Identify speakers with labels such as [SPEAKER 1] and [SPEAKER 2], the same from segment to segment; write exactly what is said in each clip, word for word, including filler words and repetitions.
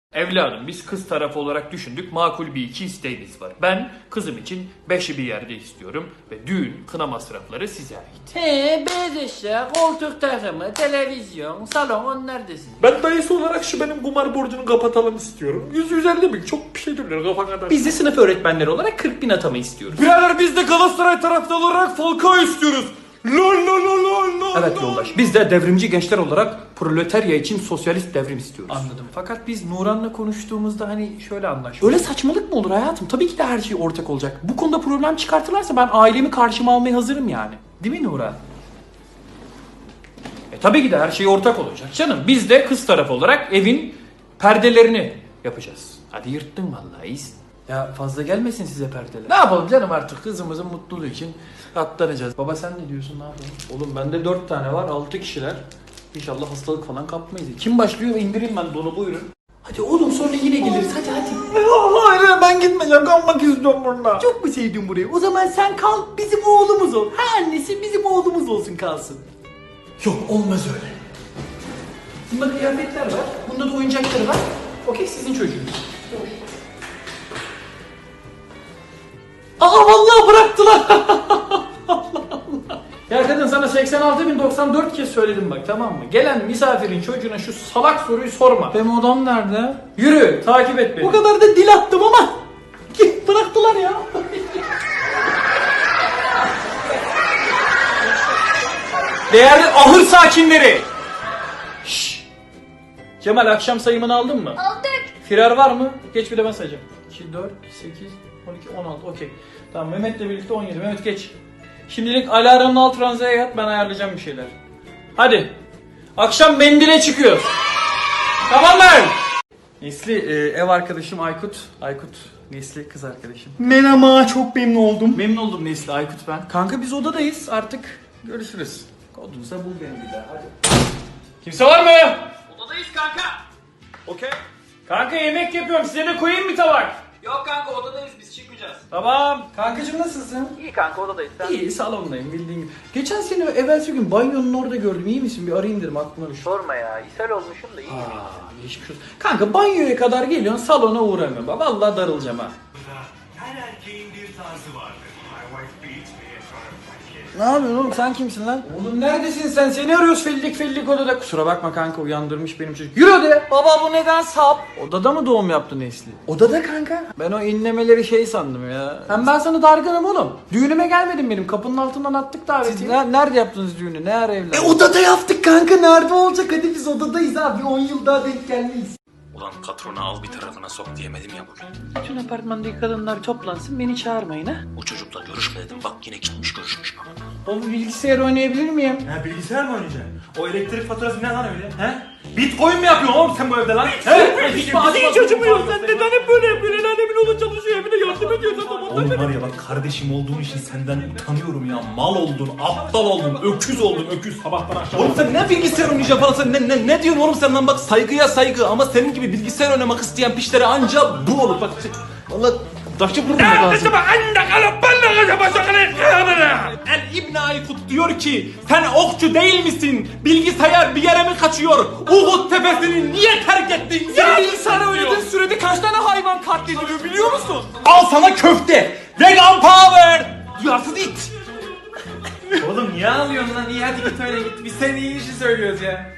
[SPEAKER 1] Evladım biz kız tarafı olarak düşündük, makul bir iki isteğimiz var. Ben kızım için beşi bir yerde istiyorum ve düğün, kına masrafları size ait.
[SPEAKER 2] He, beyaz eşya, koltuk takımı, televizyon, salon onlar da sizin.
[SPEAKER 3] Ben dayısı olarak şu benim kumar borcunu kapatalım istiyorum. yüz yüz elli bin çok bir şey duruyor kafa kadar.
[SPEAKER 1] Biz de sınıf öğretmenleri olarak kırk bin atama istiyoruz.
[SPEAKER 3] Birader biz de Galatasaray taraftarı olarak Falcao istiyoruz. Lol lol lol lol lol.
[SPEAKER 1] Evet yoldaş, biz de devrimci gençler olarak proletarya için sosyalist devrim istiyoruz.
[SPEAKER 2] Anladım.
[SPEAKER 1] Fakat biz Nuran'la konuştuğumuzda hani şöyle anlaştık. Öyle saçmalık mı olur hayatım? Tabii ki de her şey ortak olacak. Bu konuda problem çıkartırlarsa ben ailemi karşıma almaya hazırım yani. Değil mi Nuran? E tabii ki de her şey ortak olacak canım. Biz de kız tarafı olarak evin perdelerini yapacağız. Hadi yırttın vallahi iyisin. Ya fazla gelmesin size perdeler. Ne yapalım canım artık kızımızın mutluluğu için atlanacağız. Baba sen ne diyorsun, ne yapalım? Oğlum bende dört tane var, altı kişiler. İnşallah hastalık falan kapmayız. Kim başlıyor? İndireyim ben donu, buyurun. Hadi oğlum sonra yine geliriz, hadi hadi.
[SPEAKER 3] Hayır ben gitmeyeceğim, kalmak istiyorum burada.
[SPEAKER 1] Çok mu sevdin burayı? O zaman sen kal, bizim oğlumuz ol. Ha annesi bizim oğlumuz olsun kalsın.
[SPEAKER 3] Yok olmaz öyle.
[SPEAKER 1] Bunda kıyafetler var, bunda da oyuncakları var. Okey, sizin çocuğunuz. Aa vallahi bıraktılar. Allah Allah. Ya kadın sana seksen altı bin doksan dört kez söyledim bak, tamam mı? Gelen misafirin çocuğuna şu salak soruyu sorma. Benim odam nerede? Yürü takip et beni. Bu kadar da dil attım ama bıraktılar ya. Değerli ahır sakinleri. Şşş. Cemal akşam sayımını aldın mı?
[SPEAKER 4] Aldık.
[SPEAKER 1] Firar var mı? Geç bir de ben sayacağım. iki, dört, sekiz, on iki, on altı. Okey. Tamam Mehmet'le birlikte on yedi. Mehmet geç. Şimdilik alarmın alt ranzaya yat, ben ayarlayacağım bir şeyler. Hadi. Akşam mendile çıkıyoruz. Tamam mı? Nesli e, ev arkadaşım Aykut. Aykut Nesli kız arkadaşım.
[SPEAKER 3] Merhaba çok memnun oldum.
[SPEAKER 1] Memnun oldum Nesli, Aykut ben. Kanka biz odadayız artık. Görüşürüz. Kodunuza bul beni bir daha hadi. Kimse var mı? Odadayız kanka. Okey. Kanka yemek yapıyorum, size de koyayım mı tabak?
[SPEAKER 2] Yok kanka odadayız biz çıkmayacağız.
[SPEAKER 1] Tamam. Kankacığım nasılsın?
[SPEAKER 2] İyi kanka odadayız sen.
[SPEAKER 1] İyi, salondayım bildiğin gibi. Geçen sene evvelsi gün banyonun orada gördüm, iyi misin? Bir arayayım dedim, aklıma düştü.
[SPEAKER 2] Sorma ya ishal olmuşum da iyi.
[SPEAKER 1] Aa, geçmiş olsun. Kanka banyoya kadar geliyorsun, salona uğramıyorum. Bak vallahi darılacağım ha.
[SPEAKER 5] Her erkeğin bir tarzı vardır. My wife beats me in front of my kids.
[SPEAKER 1] Ne yapıyorsun oğlum, sen kimsin lan? Oğlum neredesin sen? Seni arıyoruz fellik fellik odada. Kusura bakma kanka, uyandırmış benim çocuk. Yürü odaya. Baba bu neden sap? Odada mı doğum yaptı Nesli? Odada kanka. Ben o inlemeleri şey sandım ya. Hem ben sana dargınım oğlum. Düğünüme gelmedin benim. Kapının altından attık davetiyi. Siz ne- nerede yaptınız düğünü? Ne ara evlendiniz? E odada yaptık kanka. Nerede olacak? Hadi biz odadayız abi. on yıl daha denk gelmeyiz.
[SPEAKER 5] Ulan patronu al bir tarafına sok diyemedim ya bugün.
[SPEAKER 2] Bütün apartmandaki kadınlar toplansın beni çağırmayın ha.
[SPEAKER 5] O çocukla görüşme dedim, bak yine gitmiş görüşmüş baba.
[SPEAKER 1] Baba bilgisayar oynayabilir miyim?
[SPEAKER 3] Ha bilgisayar mı oynayacaksın? O elektrik faturası ne lan öyle? He? Bitcoin mi yapıyorsun oğlum sen bu evde lan? He? Hiç hiç acımıyor. Sen neden hep böyle yapıyorsun? El alemin oğlu çalışıyor, evine yardım ediyorsun. Oğlum var ya bak, kardeşim olduğun için senden utanıyorum ya. Mal oldun, aptal oldun, öküz oldun, öküz. Sabahtan akşama. Oğlum sen ne bilgisayar oynayacaksın falan, sen ne, ne, ne diyorsun oğlum sen lan? Bak saygıya saygı, ama senin gibi bilgisayar oynamak isteyen pişlere anca bu olur. Bak valla taşı vururum lazım. El İbn Aykut diyor ki sen okçu değil misin? Bilgisayar bir yere mi kaçıyor? Uhud tepesini niye terk ettin? Ya bilgisayar oynadığın sürede kaç tane hayvan katlediliyor biliyor musun? Al sana köfte. Vegan power. Duyarsız it. Oğlum niye ağlıyorsun lan? İyi hadi git öyle git. Biz senin iyi işi söylüyoruz ya.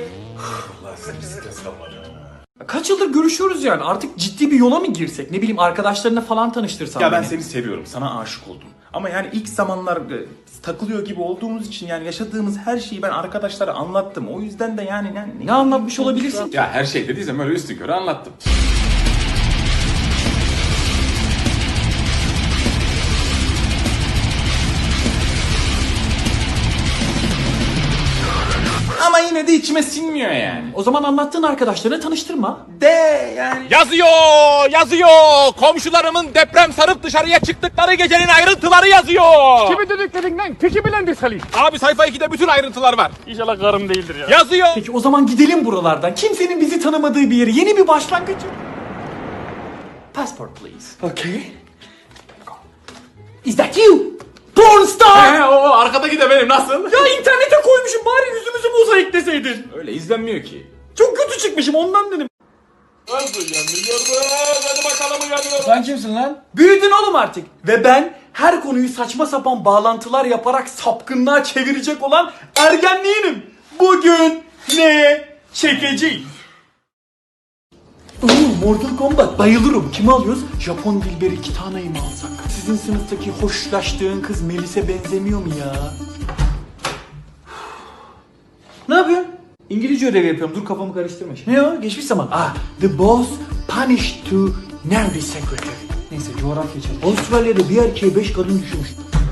[SPEAKER 3] Kaç yıldır görüşüyoruz yani, artık ciddi bir yola mı girsek, ne bileyim arkadaşlarına falan tanıştırsan
[SPEAKER 6] Ya ben
[SPEAKER 1] beni.
[SPEAKER 6] seni seviyorum, sana aşık oldum. Ama yani ilk zamanlar e, takılıyor gibi olduğumuz için yani yaşadığımız her şeyi ben arkadaşlara anlattım. O yüzden de yani... yani
[SPEAKER 1] Ne anlatmış olabilirsin?
[SPEAKER 6] Ya her şey dediysem öyle üstü körü anlattım. Ama yine de içime sinmiyor yani.
[SPEAKER 1] O zaman anlattığın arkadaşlarına tanıştırma.
[SPEAKER 6] De yani...
[SPEAKER 7] Yazıyor, yazıyor. Komşularımın deprem sarıp dışarıya çıktıkları gecenin ayrıntıları yazıyor.
[SPEAKER 3] Kimi dediklerin lan? Peki bilendi Salih.
[SPEAKER 7] Abi sayfa ikide bütün ayrıntılar var.
[SPEAKER 3] İnşallah karım değildir ya.
[SPEAKER 7] Yazıyor.
[SPEAKER 1] Peki o zaman gidelim buralardan. Kimsenin bizi tanımadığı bir yere. Yeni bir başlangıç. Passport please.
[SPEAKER 6] Okay.
[SPEAKER 1] Is that you? Porn star!
[SPEAKER 6] He, o arkadaki de benim, nasıl?
[SPEAKER 1] Ya internete koymuşum, bari yüzümüzü mozaikleseydin.
[SPEAKER 6] Öyle izlenmiyor ki.
[SPEAKER 1] Çok kötü çıkmışım ondan dedim.
[SPEAKER 7] Nasıl uyanıyoruz? Hadi bakalım uyanıyoruz.
[SPEAKER 1] Sen kimsin lan? Büyüdün oğlum artık. Ve ben her konuyu saçma sapan bağlantılar yaparak sapkınlığa çevirecek olan ergenliğinim. Bugün ne çekeceğiz? Oo, Mortal Kombat bayılırım. Kimi alıyoruz? Japon Dilberi Kitana'yı mı alsak? Sizin sınıftaki hoşlaştığın kız Melis'e benzemiyor mu ya? Ne yapıyorsun? İngilizce ödevi yapıyorum. Dur kafamı karıştırma şimdi. Ne o? Geçmiş zaman. Ah, the boss punished to nerdy secretary. Neyse coğrafya çalışıyor. Avustralya'da bir erkeğe beş kadın düşmüş.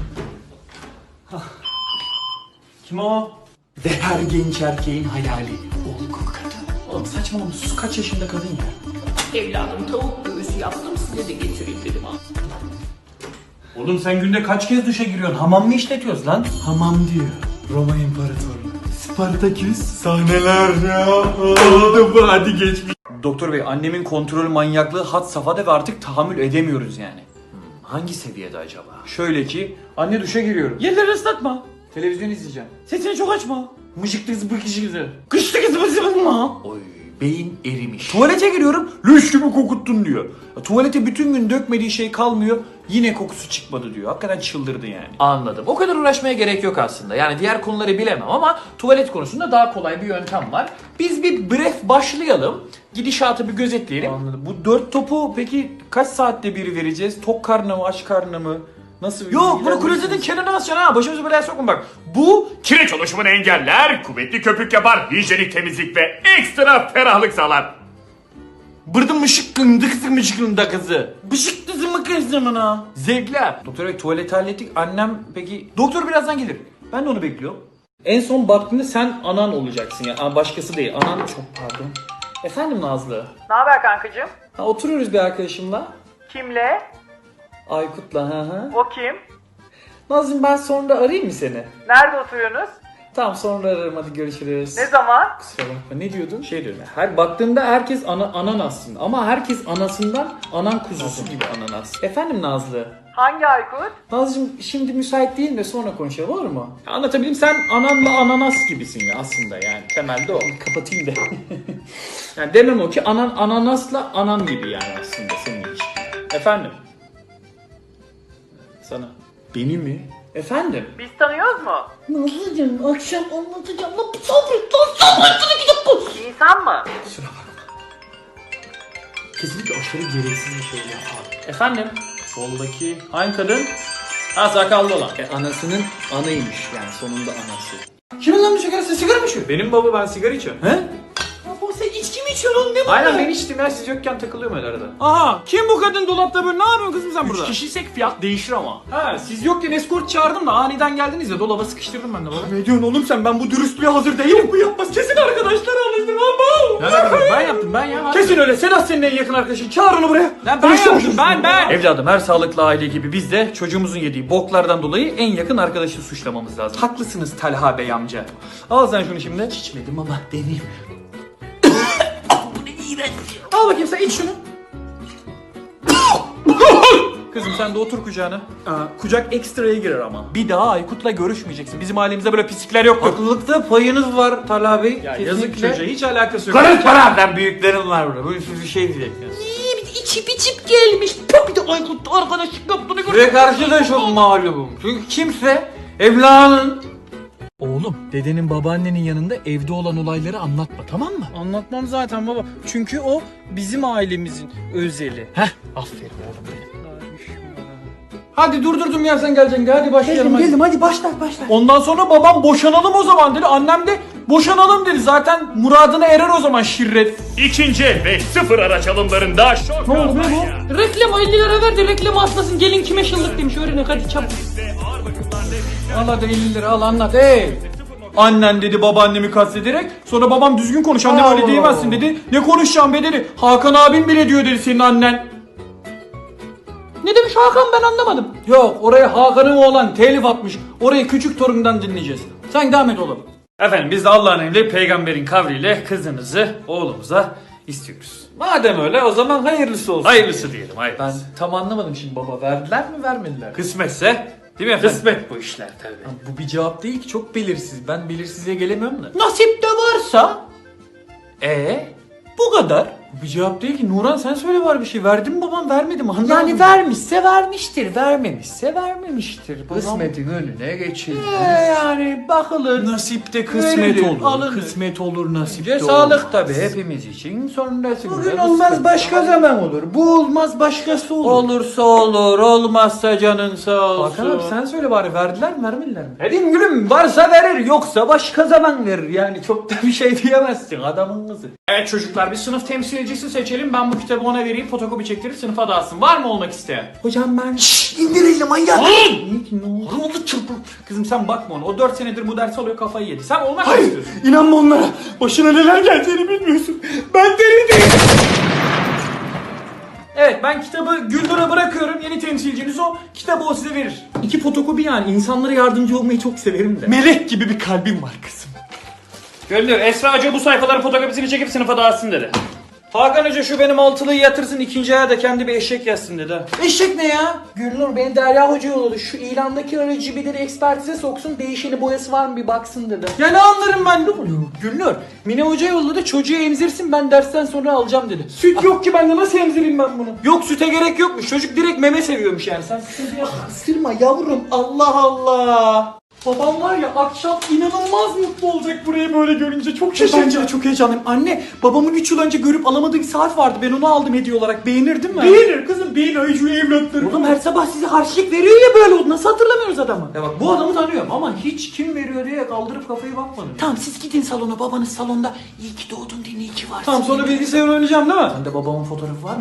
[SPEAKER 1] Kim o? Ve her genç erkeğin hayali. Olgun kadın. Oğlum saçmalama sus, kaç yaşında kadın ya?
[SPEAKER 2] Evladım tavuk göğsü yaptım size de getireyim dedim ha.
[SPEAKER 1] Oğlum sen günde kaç kez duşa giriyorsun? Hamam mı işletiyoruz lan? Hamam diyor. Roma İmparatorluğu. Spartaküs sahneler ya. Oldu bu, hadi geçmiş. Doktor bey, annemin kontrol manyaklığı had safhada ve artık tahammül edemiyoruz yani. Hmm, hangi seviyede acaba? Şöyle ki, anne duşa giriyorum. Yerleri ıslatma. Televizyon izleyeceğim. Sesini çok açma. Mıcık kız bıkışı kızı. Kışlı kızı bıkışı. Oy, beyin erimiş. Tuvalete giriyorum, lüş gibi kokuttun diyor. Ya, tuvalete bütün gün dökmediği şey kalmıyor, yine kokusu çıkmadı diyor. Hakikaten çıldırdı yani.
[SPEAKER 4] Anladım. O kadar uğraşmaya gerek yok aslında. Yani diğer konuları bilemem ama tuvalet konusunda daha kolay bir yöntem var. Biz bir bref başlayalım. Gidişatı bir gözetleyelim.
[SPEAKER 1] Anladım. Bu dört topu peki kaç saatte bir vereceğiz? Tok karnı mı, aç karnı mı? Nasıl?
[SPEAKER 4] Yok, bunu klozetin kenarına asacaksın ha. Başımızı belaya sokun bak. Bu
[SPEAKER 7] Kireç oluşumunu engeller, kuvvetli köpük yapar, hijyenik temizlik ve ekstra ferahlık sağlar.
[SPEAKER 1] Bırdım mışıkkın dıkızı mışıkkın da kızı. Bışık kızı mı kızı mı na? Zevkler. Doktor bey tuvaleti hallettik. Annem peki? Doktor birazdan gelir. Ben de onu bekliyorum. En son baktığında sen anan olacaksın ya. Yani. Başkası değil. Anan çok pardon. Efendim Nazlı.
[SPEAKER 8] Ne haber kankacığım?
[SPEAKER 1] Ha, oturuyoruz bir arkadaşımla.
[SPEAKER 8] Kimle?
[SPEAKER 1] Aykut'la ha ha.
[SPEAKER 8] O kim?
[SPEAKER 1] Nazlı'm ben sonra arayayım mı seni?
[SPEAKER 8] Nerede oturuyorsunuz?
[SPEAKER 1] Tamam sonra ararım, hadi görüşürüz.
[SPEAKER 8] Ne zaman?
[SPEAKER 1] Kusura bakma, ne diyordun? Şey diyorum ya, her baktığında herkes ana, anan aslında ama herkes anasından anan kuzusu gibi ananas. Efendim Nazlı?
[SPEAKER 8] Hangi Aykut?
[SPEAKER 1] Nazlıcığım şimdi müsait değilim de sonra konuşalım, olur mu? Ya anlatabileyim, sen ananla ananas gibisin ya aslında, yani temelde o. Kapatayım da. Yani demem o ki anan ananasla anan gibi yani aslında senin ilişkin. Efendim? Sana. Beni mi? Efendim?
[SPEAKER 8] Biz tanıyoruz mu?
[SPEAKER 1] Nazlıcığım akşam anlatacağım. Lan sabret lan sabret.
[SPEAKER 8] İnsan mı?
[SPEAKER 1] Kusura bakma. Kesinlikle aşırı gereksiz bir şey yapar. Efendim? Soldaki hangi kadın? Ha, sakallı olan. E, anasının anaymış yani, sonunda anası. Kimin lan bu sigara? Sen sigara mı içiyorsun? Benim baba, ben sigara içiyorum. He? Baba sen içki mi içiyorsun oğlum, ne bu? Aynen ben içtim ya, siz yokken takılıyorum öyle arada. Aha, kim bu kadın dolapta böyle, ne yapıyorsun kızım sen burada? Üç kişiysek fiyat değişir ama. Ha, siz yokken eskort çağırdım da aniden geldiniz ya, dolaba sıkıştırdım ben de baba. Ne diyorsun oğlum sen, ben bu dürüstlüğe hazır değilim. Bu yapmaz, kesin arkadaşlar alıştırmam bu. Ne yapayım, ben yaptım ben ya. Kesin öyle, Sedat senin en yakın arkadaşın, çağır onu buraya. Lan ben yaptım, ben ben. Evladım, her sağlıklı aile gibi biz de çocuğumuzun yediği boklardan dolayı en yakın arkadaşı suçlamamız lazım. Haklısınız Talha Bey amca. Al sen şunu şimdi. İçmedim ama deneyim. Al bakayım sen, iç şunu. Kızım sen de otur kucağına. Aa, kucak ekstraya girer ama. Bir daha Aykut'la görüşmeyeceksin. Bizim ailemizde böyle pislikler yoktur. Haklılıkta payınız var Talha Bey. Ya yazık çocuğa, hiç alakası yok. Karın para! Ben büyüklerim var burada. Böyle bir şey diyeceksiniz.
[SPEAKER 2] İçip içip gelmiş. Bir de Aykut arkadaşlık yaptığını gördüm.
[SPEAKER 1] Ve karşı da çok mağlubum. Çünkü kimse evladının...
[SPEAKER 9] Oğlum, dedenin babaannenin yanında evde olan olayları anlatma, tamam mı?
[SPEAKER 1] Anlatmam zaten baba. Çünkü o bizim ailemizin özeli.
[SPEAKER 9] Heh, aferin oğlum benim.
[SPEAKER 1] Hadi durdurdum ya, sen geleceksin. Hadi başlayalım.
[SPEAKER 9] Geldim, geldim, hadi başla, başla.
[SPEAKER 1] Ondan sonra babam boşanalım o zaman dedi. Annem de boşanalım dedi. Zaten muradına erer o zaman şirret.
[SPEAKER 7] İkinci el ve sıfır araç alımlarında şok.
[SPEAKER 1] Ne oldu be bu?
[SPEAKER 2] Reklam elli lira verdi, reklamı atlasın, gelin kime şıllık demiş, öğrenin hadi çabuk.
[SPEAKER 1] Al hadi elli lira al, anlat. Hey! Annen dedi babaannemi kastederek. Sonra babam düzgün konuş, annem öyle diyemezsin dedi. Ne konuşacağım be dedi. Hakan abim bile diyor dedi senin annen.
[SPEAKER 2] Ne demiş Hakan, ben anlamadım.
[SPEAKER 1] Yok, oraya Hakan'ın oğlan telif atmış. Orayı küçük torundan dinleyeceğiz. Sen devam et oğlum. Efendim biz de Allah'ın emri peygamberin kavliyle kızınızı oğlumuza istiyoruz. Madem öyle o zaman hayırlısı olsun.
[SPEAKER 7] Hayırlısı diyelim, hayırlısı.
[SPEAKER 1] Ben tam anlamadım şimdi baba. Verdiler mi vermediler mi?
[SPEAKER 7] Kısmetse, değil mi efendim?
[SPEAKER 1] Kısmet bu işler tabii. Bu bir cevap değil ki, çok belirsiz. Ben belirsizliğe gelemiyorum da.
[SPEAKER 2] Nasip de varsa.
[SPEAKER 1] Ee, bu kadar. Bu bir cevap değil ki. Nuran sen söyle var bir şey. Verdi mi babam vermedi mi? Anlamadım.
[SPEAKER 4] Yani vermişse vermiştir, vermemişse vermemiştir. Babam-
[SPEAKER 1] Kısmetin önüne geçilmez.
[SPEAKER 4] Ee, yani bakılır.
[SPEAKER 1] Nasipte kısmet
[SPEAKER 4] Verilir,
[SPEAKER 1] olur.
[SPEAKER 4] alınır.
[SPEAKER 1] Kısmet olur nasipte
[SPEAKER 4] Önce
[SPEAKER 1] olur.
[SPEAKER 4] sağlık tabii hepimiz için. Sonrasında
[SPEAKER 1] Bugün olmaz başka zaman olur. Bu olmaz başkası olur.
[SPEAKER 4] Olursa olur, olmazsa canın sağ olsun.
[SPEAKER 1] Hakan abi sen söyle bari verdiler mi vermediler mi? Dedim gülüm varsa verir yoksa başka zaman verir. Yani çok da bir şey diyemezsin adamın kızı.
[SPEAKER 4] Evet çocuklar bir sınıf temsilcisi seçelim. Ben bu kitabı ona vereyim, fotokopi çektirip sınıfa dağıtsın. Var mı olmak isteyen?
[SPEAKER 1] Hocam ben... Şşş indir elini manyak. Niye ki ne oldu? Ne oldu çırpın?
[SPEAKER 4] Kızım sen bakma ona. O dört senedir bu dersi alıyor, kafayı yedi. Sen olmak mı
[SPEAKER 1] Hayır
[SPEAKER 4] istiyorsun?
[SPEAKER 1] inanma onlara. Başına neler geleceğini bilmiyorsun. Ben deli değilim.
[SPEAKER 4] Evet ben kitabı Güldür'e bırakıyorum. Yeni temsilciniz o. Kitabı o size verir.
[SPEAKER 1] İki fotokopi yani. İnsanlara yardımcı olmayı çok severim de. Melek gibi bir kalbim var kızım.
[SPEAKER 4] Güldür, Esra Hoca bu sayfaların fotokopisini çekip sınıfa dağıtsın dedi. Hakan Hoca şu benim altılıyı yatırsın, ikinci aya da kendi bir eşek yazsın dedi.
[SPEAKER 1] Eşek ne ya? Gülnur beni Derya Hoca yolladı. Şu ilandaki aracı bir de ekspertize soksun. Değişeni boyası var mı bir baksın dedi. Ya ne anlarım ben ne oluyor? Gülnur Mine Hoca yolladı. Çocuğu emzirsin ben dersten sonra alacağım dedi. Süt yok ki bende nasıl emzireyim ben bunu?
[SPEAKER 4] Yok süte gerek yokmuş. Çocuk direkt meme seviyormuş yani. Sen sıkıntı yapma.
[SPEAKER 1] Sırma yavrum Allah Allah. Babam var ya akşam inanılmaz mutlu olacak burayı böyle görünce çok şaşıracak. Bence de çok heyecanlıyım. Anne babamın üç yıl önce görüp alamadığı bir saat vardı. Ben onu aldım hediye olarak. Beğenirdin mi? Beğenir kızım beğen ayıcı evlatlarım. Oğlum her sabah size harçlık veriyor ya böyle. Nasıl hatırlamıyoruz adamı?
[SPEAKER 4] Ya bak bu adamı tanıyorum ama hiç kim veriyor diye kaldırıp kafayı bakmadım.
[SPEAKER 1] Tamam siz gidin salona babanız salonda. İyi ki doğdun diye iyi ki varsın.
[SPEAKER 4] Tamam sonra bilgisayar oynayacağım değil mi?
[SPEAKER 1] Sende babamın fotoğrafı var mı?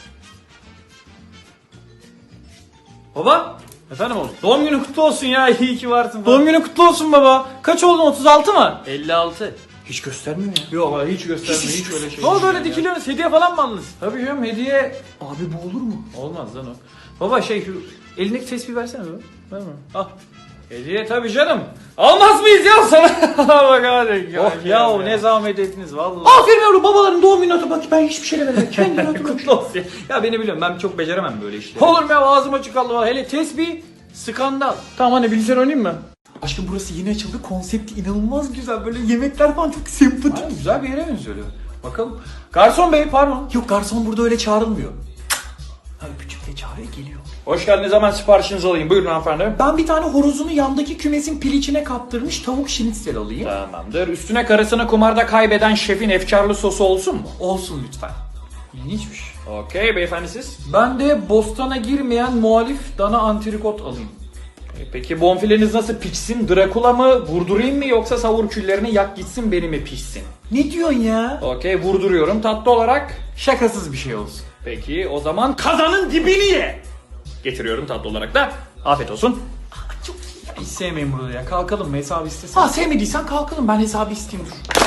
[SPEAKER 4] Baba. Efendim oğlum. Doğum günün kutlu olsun ya. İyi ki varsın. Doğum günün kutlu olsun baba. Kaç oldun? otuz altı mı? elli altı.
[SPEAKER 1] Hiç göstermiyor ya.
[SPEAKER 4] Yok abi hiç göstermiyor. Hiç öyle şey.
[SPEAKER 1] Ne oldu
[SPEAKER 4] değil
[SPEAKER 1] öyle
[SPEAKER 4] ya.
[SPEAKER 1] dikiliyorsunuz? Hediye falan mı aldınız?
[SPEAKER 4] Tabii canım hediye.
[SPEAKER 1] Abi bu olur mu?
[SPEAKER 4] Olmaz lan o. Baba şey şu elindeki tespih versene baba. Ver mi? Al. Hediye tabii canım. Almaz mıyız ya sana? Bak hadi.
[SPEAKER 1] Oh
[SPEAKER 4] ya
[SPEAKER 1] ya,
[SPEAKER 4] ne zahmet ettiniz vallahi.
[SPEAKER 1] Aferin yavrum babaların doğum günü hatı bak ben hiçbir şey demedim. Kendine hatırla.
[SPEAKER 4] Kutlu olsun ya. Ya beni biliyorum ben çok beceremem böyle işleri. Olur mu ya ağzım açık kaldı valla. Hele tesbih skandal.
[SPEAKER 1] Tamam anne bilgisayar oynayayım mı? Aşkım burası yeni açıldı. Konsepti inanılmaz güzel. Böyle yemekler falan çok sempatik.
[SPEAKER 4] Aynen, güzel bir yere benziyor. Bakalım. Garson bey pardon.
[SPEAKER 1] Yok garson burada öyle çağrılmıyor. Ha öpücükle çağırıyor geliyor.
[SPEAKER 4] Hoş geldiniz hemen siparişinizi alayım. Buyurun hanımefendi.
[SPEAKER 1] Ben bir tane horozunu yandaki kümesin piliçine kaptırmış tavuk şinitsel alayım.
[SPEAKER 4] Tamamdır. Üstüne karısını kumarda kaybeden şefin efkarlı sosu olsun mu?
[SPEAKER 1] Olsun lütfen.
[SPEAKER 4] İlginçmiş. Okey beyefendi siz?
[SPEAKER 1] Ben de bostana girmeyen muhalif dana antrikot alayım.
[SPEAKER 4] E, Peki bonfileniz nasıl pişsin? Drakula mı? Vurdurayım mı yoksa savur küllerini yak gitsin beni mi pişsin?
[SPEAKER 1] Ne diyorsun ya?
[SPEAKER 4] Okey vurduruyorum. Tatlı olarak.
[SPEAKER 1] Şakasız bir şey olsun.
[SPEAKER 4] Peki o zaman kazanın dibini ye. Getiriyorum tatlı olarak da. Afiyet olsun.
[SPEAKER 1] Çok iyi.
[SPEAKER 4] Hiç sevmeyin burada ya. Kalkalım mı? Hesabı istesen.
[SPEAKER 1] Ha sevmediysen kalkalım ben hesabı isteyeyim dur.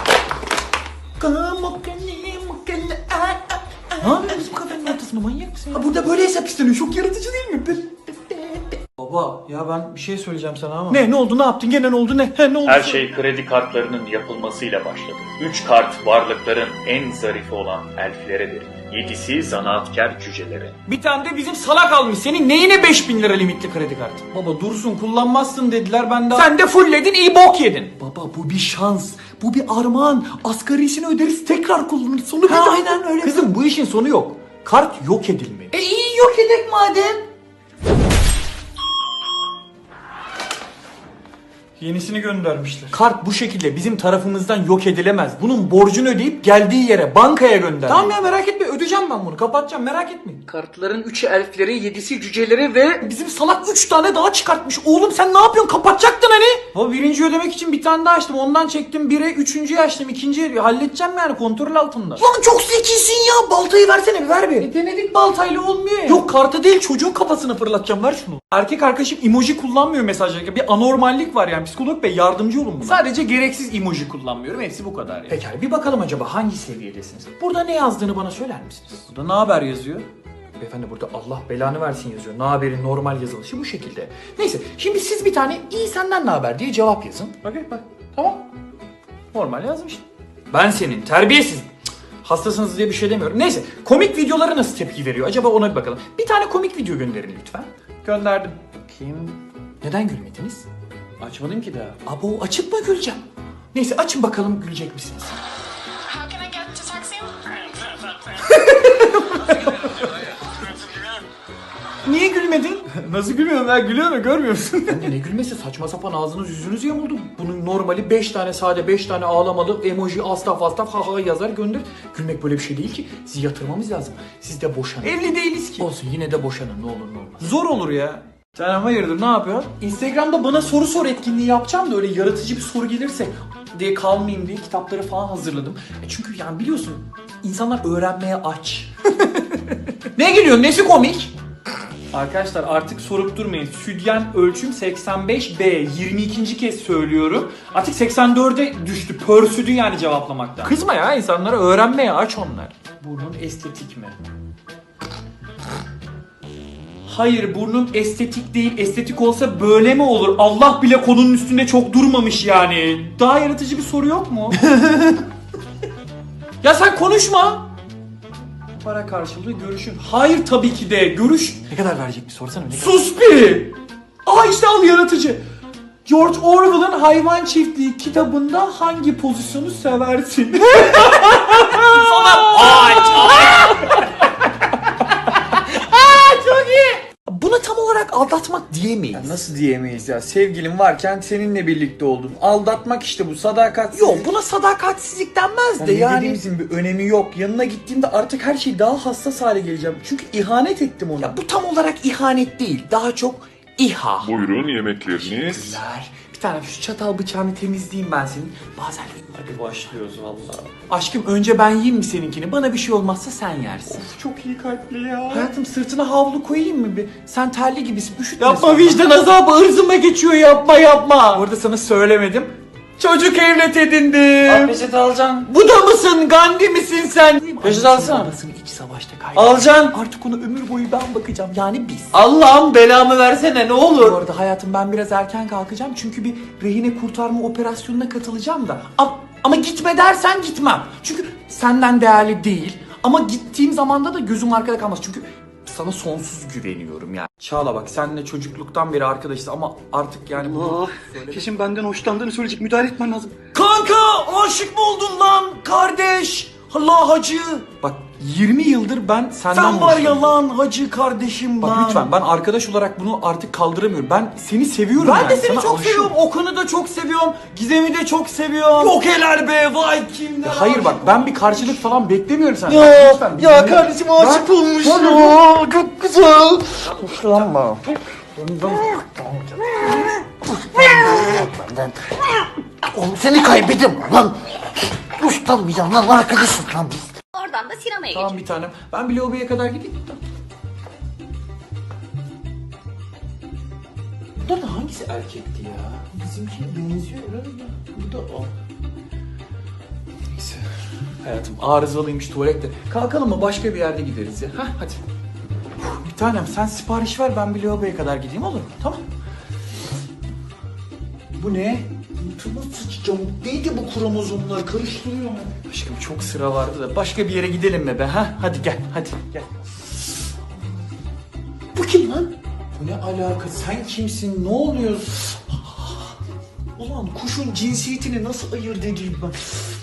[SPEAKER 1] Ne yapıyorsun bizim kafenin ortasında manyak mısın ya? Ha, burada böyle hesap isteniyor çok yaratıcı değil mi?
[SPEAKER 4] Baba ya ben bir şey söyleyeceğim sana ama.
[SPEAKER 1] Ne ne oldu ne yaptın gene ne oldu ne? He, ne oldu?
[SPEAKER 10] Her şey kredi kartlarının yapılmasıyla başladı. Üç kart varlıkların en zarifi olan elflere verildi. Yedisi zanaatkar cücelere.
[SPEAKER 4] Bir tane de bizim salak almış. Senin neyine beş bin lira limitli kredi kartı?
[SPEAKER 1] Baba dursun kullanmazsın dediler ben daha...
[SPEAKER 4] Sen de fullledin iyi bok yedin.
[SPEAKER 1] Baba bu bir şans. Bu bir armağan. Asgarisini öderiz tekrar kullanırız. Sonu bir
[SPEAKER 4] Ha,
[SPEAKER 1] daha-
[SPEAKER 4] aynen öyle. Kızım bu işin sonu yok. Kart yok edilmeli.
[SPEAKER 1] E iyi yok edek madem.
[SPEAKER 4] Yenisini göndermişler.
[SPEAKER 1] Kart bu şekilde bizim tarafımızdan yok edilemez. Bunun borcunu ödeyip geldiği yere bankaya gönder. Tamam ya merak etme ödeyeceğim ben bunu kapatacağım merak etmeyin.
[SPEAKER 4] Kartların üçü elflere, yedisi cücelere ve...
[SPEAKER 1] Bizim salak üç tane daha çıkartmış. Oğlum sen ne yapıyorsun kapatacaktın hani.
[SPEAKER 4] Baba birinci ödemek için bir tane daha açtım. Ondan çektim bire, üçüncüyü açtım. ikinciyi halledeceğim yani kontrol altında.
[SPEAKER 1] Lan çok zekisin ya baltayı versene bir ver bir.
[SPEAKER 4] E denedik baltayla olmuyor ya.
[SPEAKER 1] Yok kartı değil çocuğun kafasına fırlatacağım ver şunu.
[SPEAKER 4] Erkek arkadaşım emoji kullanmıyor mesajlarında. Bir anormallik var yani. Psikolog bey yardımcı olun buna. Sadece gereksiz emoji kullanmıyorum. Hepsi bu kadar yani.
[SPEAKER 1] Pekala bir bakalım acaba hangi seviyedesiniz? Burada ne yazdığını bana söyler misiniz?
[SPEAKER 4] Burada ne haber yazıyor?
[SPEAKER 1] Beyefendi burada Allah belanı versin yazıyor. Ne haberin normal yazılışı bu şekilde. Neyse şimdi siz bir tane iyi senden ne haber diye cevap yazın.
[SPEAKER 4] Bakayım bak. Tamam. Normal yazmış. Ben senin terbiyesiz. Cık, hastasınız diye bir şey demiyorum. Neyse komik videolara nasıl tepki veriyor? Acaba ona bir bakalım.
[SPEAKER 1] Bir tane komik video gönderin lütfen.
[SPEAKER 4] Gönderdim.
[SPEAKER 1] Kim? Neden gülmediniz?
[SPEAKER 4] Açmadım ki daha.
[SPEAKER 1] Abo açıp mı güleceğim? Neyse açın bakalım gülecek misiniz?
[SPEAKER 11] How can I get to taxi?
[SPEAKER 1] Nasıl gülüyorum ya? Gülüyor mu? Görmüyor musun?
[SPEAKER 4] Anne ne gülmesi, saçma sapan ağzınız yüzünüz yamuldu. Bunun normali beş tane sade beş tane ağlamalı emoji astaf astaf ha ha yazar gönder. Gülmek böyle bir şey değil ki. Sizi yatırmamız lazım. Siz de boşanın.
[SPEAKER 1] Evli değiliz ki.
[SPEAKER 4] Olsun yine de boşanın ne olur ne olmaz.
[SPEAKER 1] Zor olur ya. Sen hayırdır ne yapıyorsun?
[SPEAKER 4] Instagram'da bana soru sor etkinliği yapacağım da öyle yaratıcı bir soru gelirse diye kalmayayım diye kitapları falan hazırladım. E çünkü yani biliyorsun insanlar öğrenmeye aç. Ne gülüyorsun? Nesi komik?
[SPEAKER 1] Arkadaşlar artık sorup durmayın. Südyen ölçüm seksen beş B. yirmi ikinci kez söylüyorum. Artık seksen dörde düştü. Pörsüdü yani cevaplamaktan.
[SPEAKER 4] Kızma ya, insanlara öğrenmeye aç onlar. Burnun estetik mi?
[SPEAKER 1] Hayır, burnum estetik değil. Estetik olsa böyle mi olur? Allah bile konunun üstünde çok durmamış yani. Daha yaratıcı bir soru yok mu? Ya sen konuşma. Para karşılığı görüşün. Hayır tabii ki de. Görüş.
[SPEAKER 4] Ne kadar verecek bir sorsana. Ne kadar?
[SPEAKER 1] Sus bir. Aa işte al yaratıcı. George Orwell'ın Hayvan Çiftliği kitabında hangi pozisyonu seversin?
[SPEAKER 4] Çok iyi. Buna tam olarak aldatmak diyemeyiz.
[SPEAKER 1] Ya nasıl diyemeyiz ya? Sevgilim varken seninle birlikte oldum. Aldatmak işte bu, sadakat.
[SPEAKER 4] Yok, buna sadakatsizlik denmez de
[SPEAKER 1] Yani
[SPEAKER 4] yani.
[SPEAKER 1] dediğimizin bir önemi yok. Yanına gittiğimde artık her şey daha hassas hale geleceğim. Çünkü ihanet ettim ona.
[SPEAKER 4] Ya bu tam olarak ihanet değil. Daha çok İHA.
[SPEAKER 5] Buyurun yemekleriniz.
[SPEAKER 4] Teşekkürler. Bir tane şu çatal bıçağını temizleyeyim ben senin. Bazen
[SPEAKER 1] Hadi başlıyoruz vallahi.
[SPEAKER 4] aşkım önce ben yiyeyim mi seninkini? Bana bir şey olmazsa sen yersin.
[SPEAKER 1] Of çok iyi kalpli ya.
[SPEAKER 4] Hayatım sırtına havlu koyayım mı bir? Sen terli gibisin. Üşütme
[SPEAKER 1] Yapma,
[SPEAKER 4] sonra.
[SPEAKER 1] vicdan azabı ırzıma geçiyor, yapma yapma. Orada sana söylemedim. Çocuk evlat edindim. Peşet alacaksın. Bu da mısın? Gandhi misin sen? Peşet alsana.
[SPEAKER 4] Babasını iç savaşta kaybetti.
[SPEAKER 1] Alacaksın.
[SPEAKER 4] Artık ona ömür boyu ben bakacağım. Yani biz.
[SPEAKER 1] Allah'ım belamı versene ne
[SPEAKER 4] Bu
[SPEAKER 1] olur.
[SPEAKER 4] arada hayatım ben biraz erken kalkacağım. Çünkü bir rehine kurtarma operasyonuna katılacağım da. A- Ama gitme dersen gitmem. Çünkü senden değerli değil. Ama gittiğim zamanda da gözüm arkada kalmaz. Çünkü sana sonsuz güveniyorum yani.
[SPEAKER 1] Çağla bak seninle çocukluktan beri arkadaşız ama artık yani bunu...
[SPEAKER 9] Kesin benden hoşlandığını söyleyecek, müdahale etmen lazım.
[SPEAKER 1] Kanka aşık mı oldun lan kardeş? Allah hacı. Bak yirmi yıldır ben senden
[SPEAKER 9] Sen var ya
[SPEAKER 1] lan hacı kardeşim
[SPEAKER 4] Bak
[SPEAKER 1] lan.
[SPEAKER 4] lütfen ben arkadaş olarak bunu artık kaldıramıyorum. Ben seni seviyorum
[SPEAKER 1] Ben
[SPEAKER 4] yani.
[SPEAKER 1] de seni
[SPEAKER 4] Sana
[SPEAKER 1] çok
[SPEAKER 4] aşığım.
[SPEAKER 1] seviyorum. Okan'ı da çok seviyorum. Gizem'i de çok seviyorum. Yok helal be vay kimler.
[SPEAKER 4] Ya hayır bak ben bir karşılık falan beklemiyorum senden.
[SPEAKER 1] Ya,
[SPEAKER 4] Lütfen,
[SPEAKER 1] ya
[SPEAKER 4] dinle.
[SPEAKER 1] kardeşim aşık olmuş ya. Çok güzel. Hoşlanma.
[SPEAKER 11] Oğlum seni kaybettim lan. Ustanmayacağım lan, arkadaşım lan biz.
[SPEAKER 12] Oradan da sinemaya
[SPEAKER 4] Tamam bir tanem. Ben bir lobby'ye kadar gideyim. Bunların hangisi erkekti ya? Bizimkine benziyor biraz da. Bu da o. Neyse. Hayatım arızalıymış tuvalette. Kalkalım mı? Başka bir yerde gideriz ya. Hah hadi. Uf, bir tanem sen sipariş ver, ben bir lavaboya kadar gideyim, olur mu? Tamam. Bu ne? Altıma sıçacağım. Neydi bu kromozomlar? Karıştırıyor mu? Aşkım çok sıra vardı da başka bir yere gidelim mi be? Ha? Hadi gel, hadi gel. Bu kim lan? Bu ne alaka? Sen kimsin? Ne oluyor? Ulan kuşun cinsiyetini nasıl ayırt edeyim ben?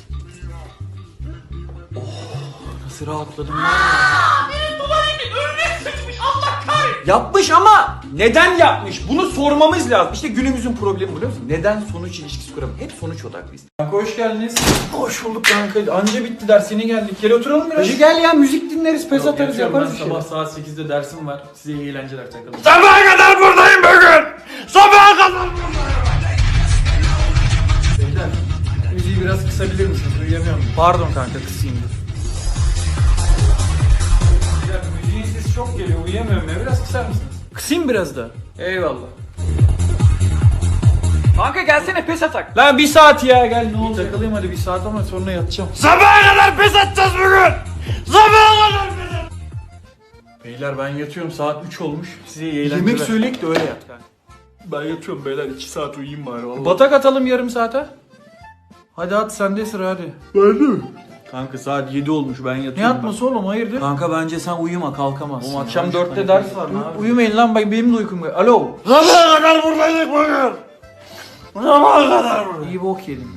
[SPEAKER 4] Oh, nasıl rahatladım ben ya.
[SPEAKER 1] Benim tuvaletim önüne sıçmış Allah kahretsin. Yapmış ama neden yapmış? Bunu sormamız lazım. İşte günümüzün problemi biliyor musun? Neden sonuç ilişkisi kuramıyor? Hep sonuç odaklıyız. Kanka hoş geldiniz.
[SPEAKER 4] Hoş bulduk kanka. Anca bitti ders, yeni geldik. Gel oturalım biraz.
[SPEAKER 1] Hacı gel ya müzik dinleriz, pes
[SPEAKER 4] Yok,
[SPEAKER 1] atarız,
[SPEAKER 4] yatıyorum.
[SPEAKER 1] yaparız
[SPEAKER 4] Ben
[SPEAKER 1] bir şeyler.
[SPEAKER 4] sabah saat sekizde dersim var. Size iyi eğlenceler, takılın.
[SPEAKER 7] Sabaha kadar buradayım bugün. Sabaha kadar
[SPEAKER 4] Beyler, müziği biraz kısabilir misiniz? Duyamıyorum.
[SPEAKER 1] Pardon kanka kısayım dur.
[SPEAKER 4] Ya müziğin sesi çok geliyor. Uyuyamıyorum ya. Biraz kısar mısınız?
[SPEAKER 1] Kısayım biraz da.
[SPEAKER 4] Eyvallah.
[SPEAKER 1] Kanka gelsene pes atak. Lan bir saat ya gel ne olacak? Takılayım hadi bir saat ama sonra yatacağım.
[SPEAKER 7] Sabaha kadar pes atacağız bugün. Sabaha kadar pes atacağız.
[SPEAKER 1] Beyler ben yatıyorum, saat üç olmuş. Size iyi eğlenceler.
[SPEAKER 4] Yemek söyleyek de öyle yat kanka.
[SPEAKER 1] Ben yatıyorum beyler, iki saat uyuyayım bari vallahi.
[SPEAKER 4] Batak atalım yarım saate. Hadi at, sende sıra hadi.
[SPEAKER 1] Ben de mi? Kanka saat yedi olmuş, ben yatıyorum.
[SPEAKER 4] Ne yatması oğlum, hayırdır?
[SPEAKER 1] Kanka bence sen uyuma, kalkamazsın.
[SPEAKER 4] Oğlum
[SPEAKER 1] ya.
[SPEAKER 4] akşam
[SPEAKER 1] Üç
[SPEAKER 4] dörtte
[SPEAKER 1] tane
[SPEAKER 4] ders
[SPEAKER 1] kız
[SPEAKER 4] var, ne yapayım?
[SPEAKER 1] Uyumayın lan, bak benim de uykum var. Alo.
[SPEAKER 7] Sabaha kadar buradayız bugün. Sabaha kadar buradayız.
[SPEAKER 1] İyi bok yedim.